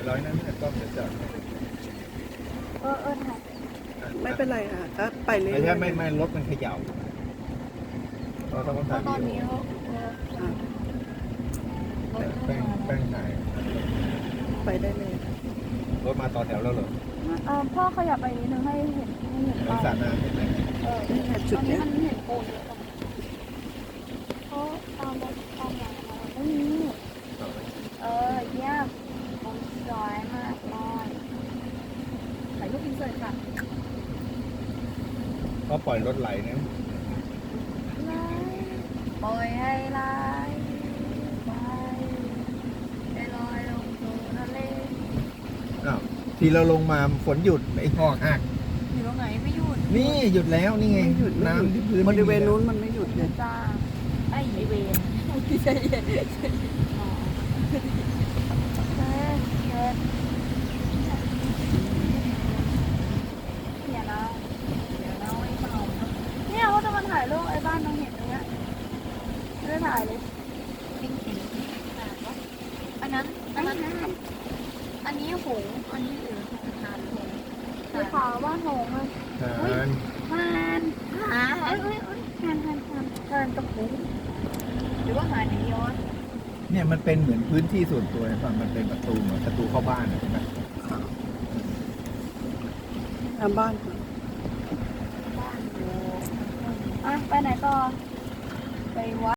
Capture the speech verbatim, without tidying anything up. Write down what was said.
ร้อยนั้นเนี่ยกล้องจะจอดเออเออถ่ายไม่เป็นไรค่ะก็ไปเรื่อยไม่ๆใช่ไม่ไม่รถมันเขย่าเราต้องเพถ่ายราะตอนนี้เราอ่ะรถแป้งเข้ามาแป้งถ่ายไปได้เลยรถมาต่อแถวแล้วเหรอเออพ่อขยับไปนิดนึงให้เห็นให้เห็นมันป้ายสระน้ำเห็นไหมเออนี่แหละจุตดอนนี้เนี้ยมันเห็นปูนเยอะจังเพราะตามรถตามอย่างมาไม่มีต่อไหมเออเยี่ยมผมสวยมากเลยถ่ายรูปอินเสิร์ตค่ะก็ปล่อยรถไหลนะไหลปล่อยให้ไหลไปให้ลอยลงสู่ทะเลอ้าวทีเราลงมาฝนหยุดไอ้หอกหักอยู่ตรงไหนไม่หยุดนี่หยุดแล้วนี่ไงไม่หยุดไม่หยุดน้ำที่พื้นบริเวณไม่มีนู้นมันไม่หยุดเลยจ้าไอ้เวนใจเย็นอ๋อเช็ดเช็ดเนี่ยนะเดี๋ยวนะไอ้เมาเนี่ยเขาจะมาถ่ายรูปไอ้บ้านน้องเห็นตรงเนี้ยไม่ได้ถ่ายเลยจริงจริงอันนั้นอันนั้นอันนี้หงอันนี้หรือหงทานหงคือขาวบ้านหงเลยทานทานหาเอ้ยเอ้ยเอ้ยทานทานทานทานกระปุกหรือว่าหาหนีย้อนเนี่ยมันเป็นเหมือนพื้นที่ส่วนตัวเห็นป่ะมันเป็นประตูเหมือนประตูเข้าบ้านอะเห็นไหมทำบ้านค่ะบ้านอยู่อ่ะไปไหนต่อ ไปวัด